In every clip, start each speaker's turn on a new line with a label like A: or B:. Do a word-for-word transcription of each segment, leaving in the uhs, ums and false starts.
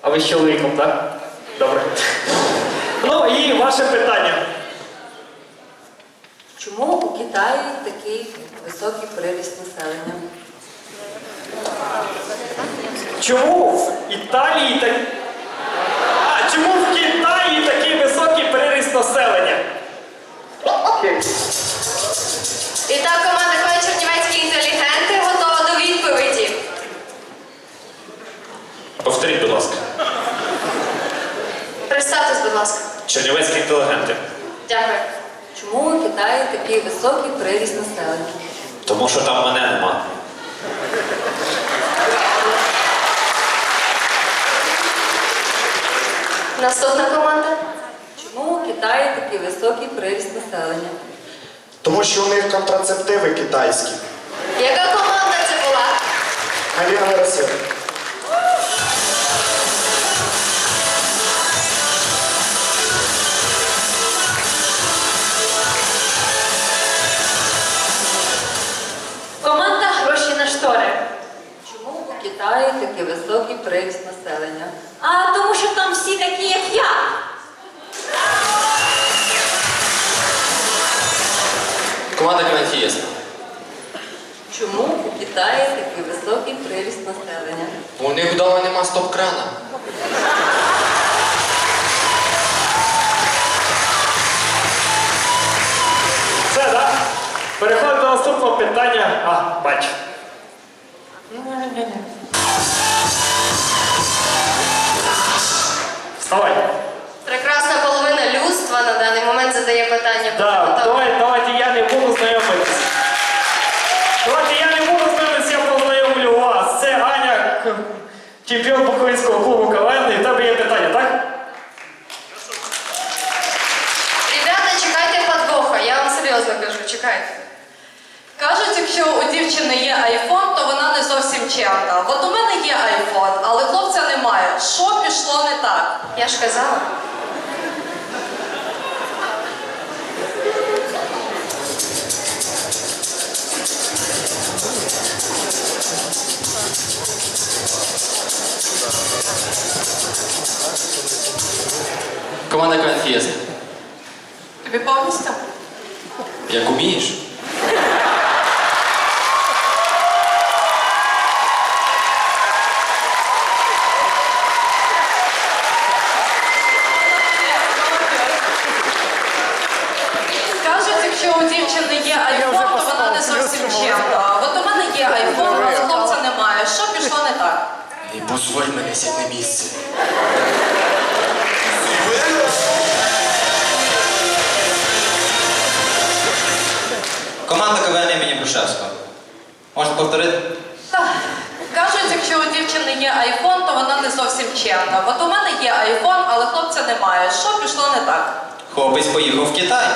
A: А ви з чоловіком, так? Добре. Ну і ваше питання.
B: Чому у Китаї такий високий приріст населення?
A: Чому в Італії так... А, чому в Китаї такий високий приріст населення?
C: І так, команда Х В Чернівецькі інтелігенти готова до відповіді.
D: Повторіть, будь ласка.
C: Представтесь, будь ласка.
D: Чернівецькі інтелігенти.
C: Дякую.
B: Чому у Китаї такий високий приріст населення?
D: Тому що там мене нема.
C: Наступна команда.
B: Чому у Китаї такий високий приріст населення?
E: Тому що у них контрацептиви китайські.
C: Яка команда це була?
E: Аліна Вересєва.
C: Команда гроші на штори.
B: Чому у Китаї такий високий приріст населення?
C: А тому що там всі такі, як я.
F: Команда Квантієс.
B: Чому у Китаї такий високий приріст населення?
F: У них вдома нема стоп-крана.
A: Все, так? Переходимо до наступного питання. А, бачу. Вставай.
C: Прекрасна половина людства на даний момент задає питання.
A: Так, давай, давайте я не буду знайомитися. Давайте я не буду знайомитися, я познайомлю вас. Це Аня, к- чемпіон Буковинського клубу КВН. І в тебе є питання, так?
C: Ребята, чекайте подвоха, я вам серйозно кажу, чекайте.
G: Кажуть, якщо у дівчини є айфон, то вона не зовсім чемна. От у мене є айфон, але хлопця немає. Що пішло не так?
C: Я ж казала.
F: Команда Квантієс.
G: Тобі повністю?
F: Як умієш?
G: Кажуть, якщо у дівчини є айфон, то вона не зовсім чемна. От у мене є айфон, але хлопця немає. Що пішло не так?
F: І позволь мене сядь на місце.
H: Команда КВН імені Грушевського. Можна повторити?
G: Так. Кажуть, якщо у дівчини є айфон, то вона не зовсім чемна. От у мене є айфон, але хлопця немає. Що пішло не так?
H: Хлопець поїхав в Китай.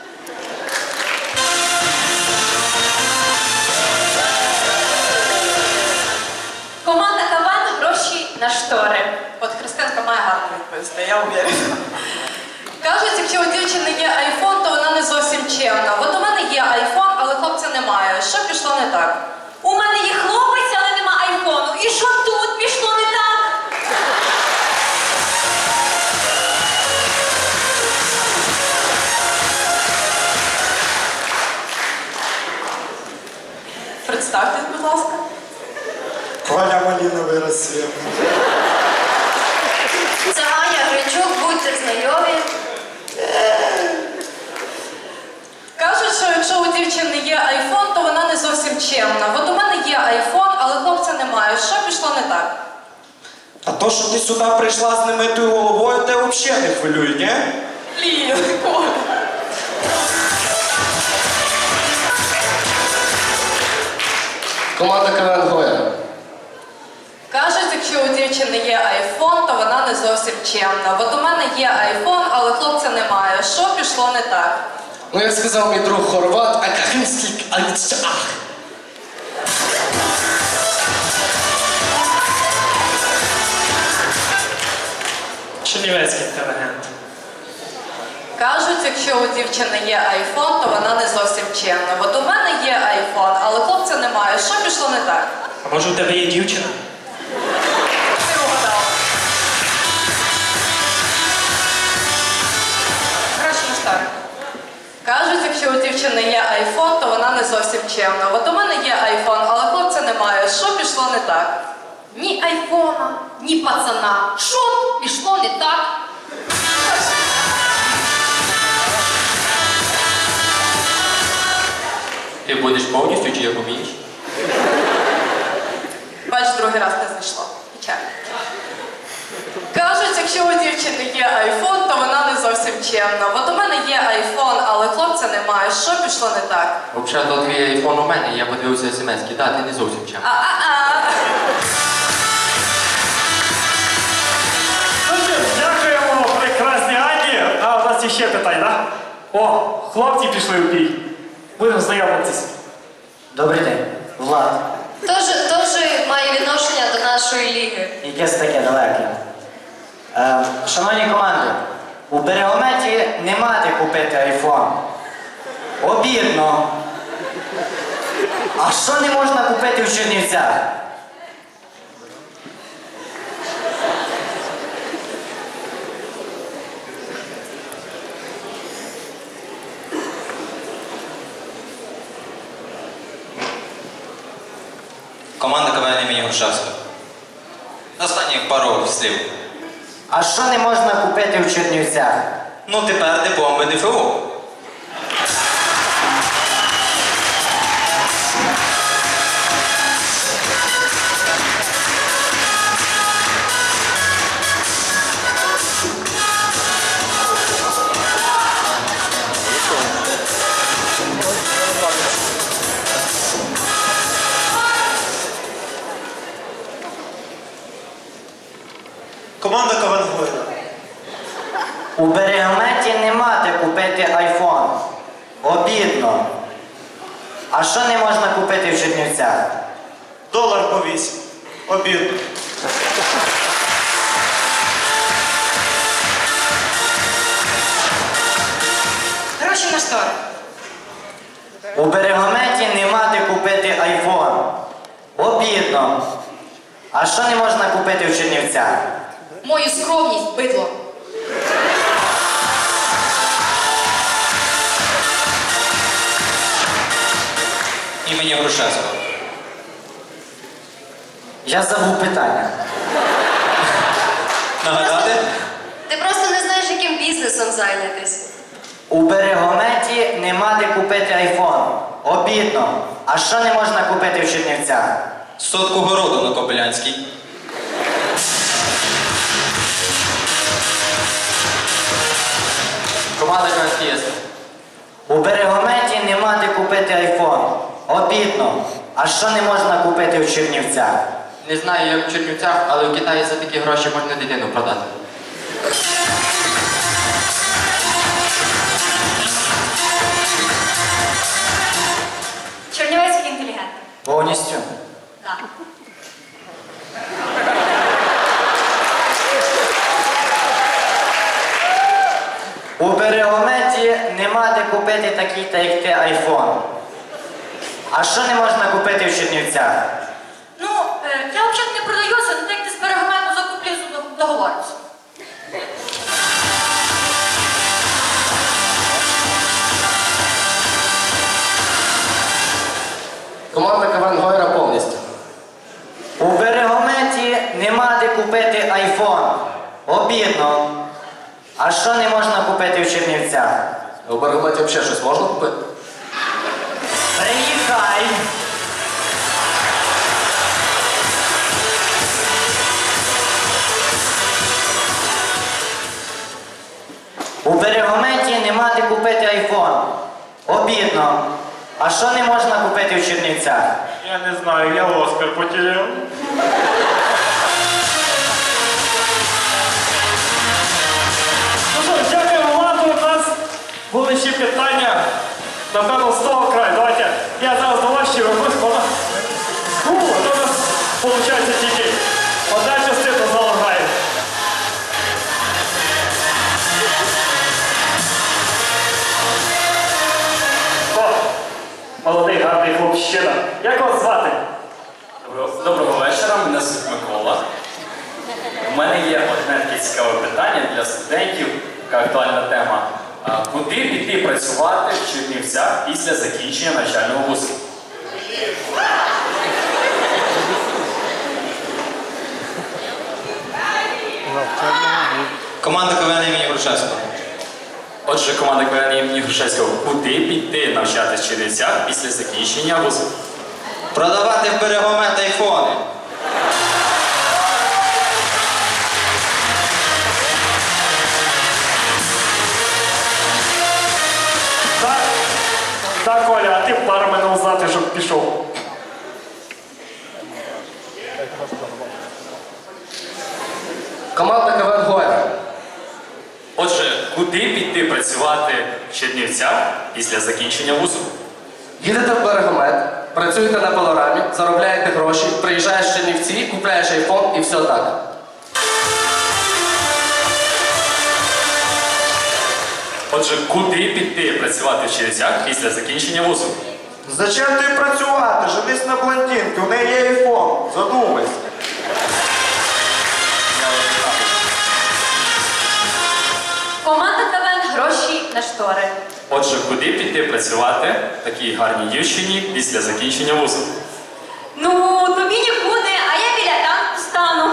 C: Команда КВН гроші на штори.
G: От Христинка має гарно відповісти, я уверена. Кажуть, якщо у дівчини є айфон, то вона не зовсім чемна. От у мене є айфон, але хлопця немає. Що пішло не так?
C: У мене є хлопець, але нема айфону. І що тут пішло не так?
G: Представтесь, будь ласка.
E: Валя Маліна Вересєва.
C: Це Аня Гринчук, будьте знайомі.
G: Кажуть, що якщо у дівчини є айфон, то вона не зовсім чемна. От у мене є айфон, але хлопця немає. Що пішло не так?
E: А то, що ти сюди прийшла з немитою головою, те взагалі не хвилює, ні?
G: Блін, Коля.
F: Команда КВН Гоя.
G: Кажуть, якщо у дівчини є айфон, то вона не зовсім чемна. От у мене є айфон, але хлопця немає. Що пішло не так?
F: Ну, як сказав мій друг Хорват, а кахинський альцах.
A: Чернівецький інтелігент.
G: Кажуть, якщо у дівчини є айфон, то вона не зовсім чемна. От у мене є айфон, але хлопця немає. Що пішло не так?
A: А може у тебе є дівчина?
G: Ти угадав. чемно. От у мене є айфон, але хлопця немає. Що пішло не так?
C: Ні айфона, ні пацана. Що пішло не так?
F: Ти будеш повністю чи як умієш?
G: Бач, другий раз не знайшло. Печально. Кажуть, якщо у дівчини є айфон, то вона не зовсім чемна. От у мене є айфон, але хлопця немає. Що пішло не так?
F: Взагалі, то твій айфон у мене, я подивився смс-ки. Да, ти не зовсім чим.
G: А-а-а.
A: Ну що, дякуємо прекрасній Ані. А у нас є ще питання, так? О, хлопці пішли в бій. Будемо знайомитись.
I: Добрий день, Влад.
C: Тож, тож має відношення до нашої ліги.
I: Якесь таке далеке. Е, шановні команди, у Берегометі нема де купити айфон. Обідно. А що не можна купити в Чернівцях?
H: Команда КВН імені Грушевського. Останніх пару слів.
I: А що не можна купити в Чернівцях?
H: Ну тепер диплом БДФУ.
E: Команда КВН Гойда.
I: У Берегометі нема де купити айфон. Обідно. А що не можна купити в Чернівцях?
E: Долар по вісім. Обідно.
G: Гроші на штори.
I: У Берегометі нема де купити айфон. Обідно. А що не можна купити в Чернівцях?
C: Мою скромність, бидло.
H: Імені Грушевського.
I: Я забув питання.
H: Нагадати?
C: Ти просто не знаєш, яким бізнесом зайнятись.
I: У Берегометі нема де купити айфон. Обідно. А що не можна купити в Чернівцях?
H: Сотку городу на Кобилянській.
F: Команда КВН.
I: У Берегометі нема де купити айфон. Обідно. А що не можна купити в Чернівцях?
F: Не знаю, як в Чернівцях, але в Китаї за такі гроші можна дитину продати.
C: Чернівецький інтелігент.
I: Повністю.
C: Так.
I: У Берегометі нема де купити такий, та як ти, айфон. А що не можна купити в Чернівцях?
C: Ну, е, я взагалі не продаюся, але як ти з берегомету закуплю, договорюся.
F: Команда КВН Гойра повністю.
I: У Берегометі нема де купити айфон. Обідно. А що не можна купити в Чернівцях?
F: У Берегометі взагалі щось можна купити?
I: Приїхай! У Берегометі нема де купити айфон. Обідно. А що не можна купити в Чернівцях?
A: Я не знаю, я Оскар потеряв. Ну що, дякуємо Владу. У нас були ще питання. Напевно, з того краю. Давайте я зараз до вас ще вернусь, вона. Фу, то у нас виходить тільки одна частина залу грає. О, молодий гарний хлопчина. Як вас звати?
J: Доброго, доброго вечора, мене звуть Микола. У мене є одне таке цікаве питання для студентів, така актуальна тема. А куди піти працювати в Чернівцях після закінчення навчального вузу?
H: Команда КВН імені Грушевського.
J: Отже, команда КВН імені Грушевського, куди піти навчатись в Чернівцях після закінчення вузу?
H: Продавати в Берегомет айфони.
A: Так, так, Оля, а ти пару мене узнати, щоб пішов.
F: Команда КВН Гоя.
J: Отже, куди піти працювати в Чернівцях після закінчення вузу?
F: Їдете в Берегомет, працюєте на пилорамі, заробляєте гроші, приїжджаєш в Чернівці, купляєш айфон і все так.
J: Отже, куди піти працювати в Чернівцях після закінчення вузу?
E: Зачем ти працювати? Женись на блондинки, у неї є айфон. Задумайся.
G: Команда КВН гроші на штори.
J: Отже, куди піти працювати такій гарній дівчині після закінчення вузу?
G: Ну, тобі нікуди, а я біля танку стану.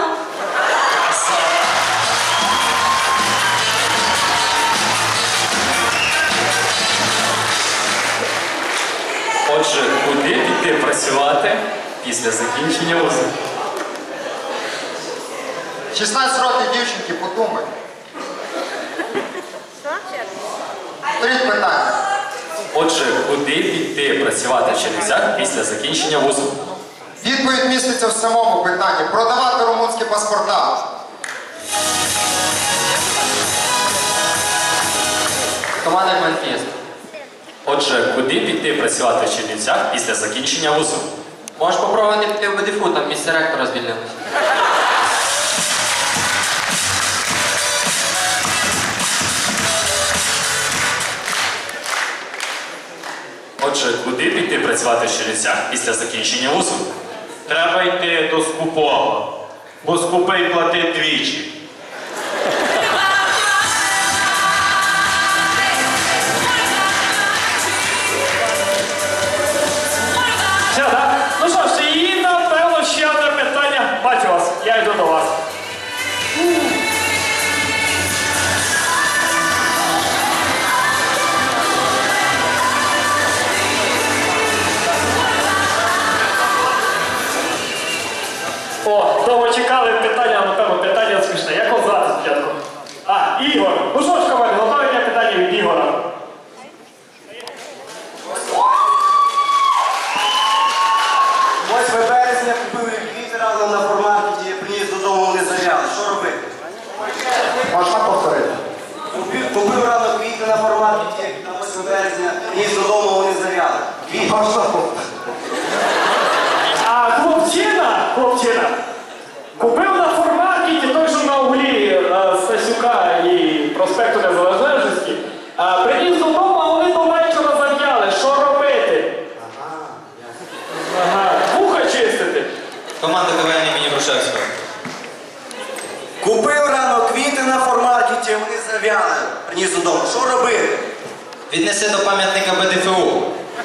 J: Отже, куди піти працювати після закінчення вузу?
K: шістнадцять років дівчинки, подумай. Беріть питання.
J: Отже, куди піти працювати в Чернівцях після закінчення вузу?
K: Відповідь міститься в самому питанні. Продавати румунські паспорта.
F: Команда КВН Фієста.
J: Отже, куди піти працювати в Чернівцях після закінчення вузу?
F: Можеш попробувати піти в БДФУ, там місце ректора звільнилось.
J: Отже, куди піти працювати в Чернівцях після закінчення вузу?
A: Треба йти до скупого, бо скупий платить двічі. Все, так? Ну що ж, і напевно ще одне питання. Бачу вас, я йду до вас. О, довго чекали питання, напевно, питання смішне. Як вас звати спочатку? А, Ігор. Ну що ж, команди, готові для питання від Ігора?
E: восьмого березня купив квіти разом на форматі, приніс додому, вони зав'яли. Що робити?
K: Можна повторити?
E: Купив, купив рано квіти на форматі, на восьмого березня, приніс додому, вони зав'яли. Квіти.
K: Можна повторити?
A: А хлопчина, хлопчина, купив на форматі той, що на углі е, Стасюка і проспекту Незалежності, а приніс додому, а вони до вечора зав'яли. Що робити? Ага, вуха чистити.
H: Команда КВН імені Грушевського.
E: Купив рано квіти на формаркеті, вони зав'яли. Приніс додому. Що робити?
H: Віднеси до пам'ятника БДФУ.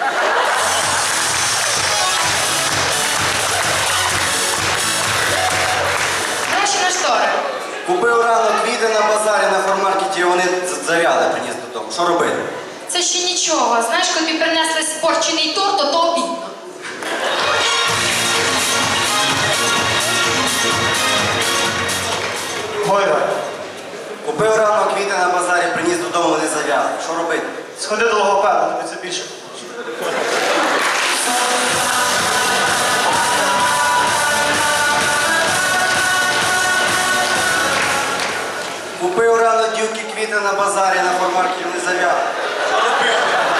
C: Гроші на штори.
E: Купив рано квіти на базарі на формаркеті, вони з- зав'яли, приніс додому. Що робити?
C: Це ще нічого. Знаєш, коли тобі принесли спорчений торт, то то обідно.
E: Гойра. Купив рано квіти на базарі, приніс додому, вони зав'яли. Що робити? Сходи до логопеда, тобі це більше. Купив рано дівки квіти на базарі, на формаркеті, вони зав'яли. Що робити?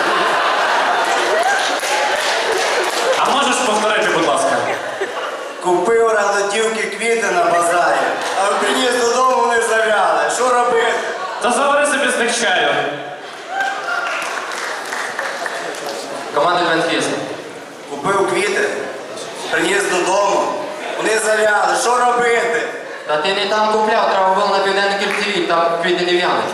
J: А можеш повторити, будь ласка?
E: Купив рано дівки квіти на базарі, а приніс додому, вони зав'яли. Що робити?
J: Та завари собі з них чаю.
F: Команда КВН Фієста.
E: Купив квіти, приніс додому, вони зав'яли. Що робити?
F: Та ти не там купляв, треба було на південній кільцевій, там квіти не в'януть.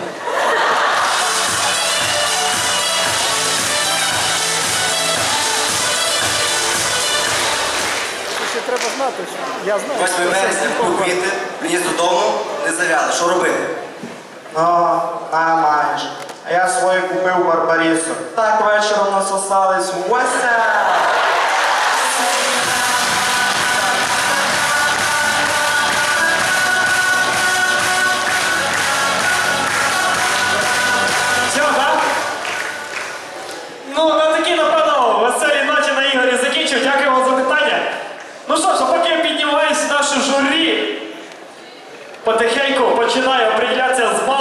E: восьмого вересня купив квіти, приніс додому, не зав'яли. Що робити? Ну, а маєш. А я свою купив Барбарісу. Так вечором насосались. Вася!
A: Все, так? Ну, на такій, напевно, веселій ноті на Ігорі закінчив. Дякую вам за питання. Ну що ж, а поки я піднімаюсь в нашу журі, потихеньку починаю определятися з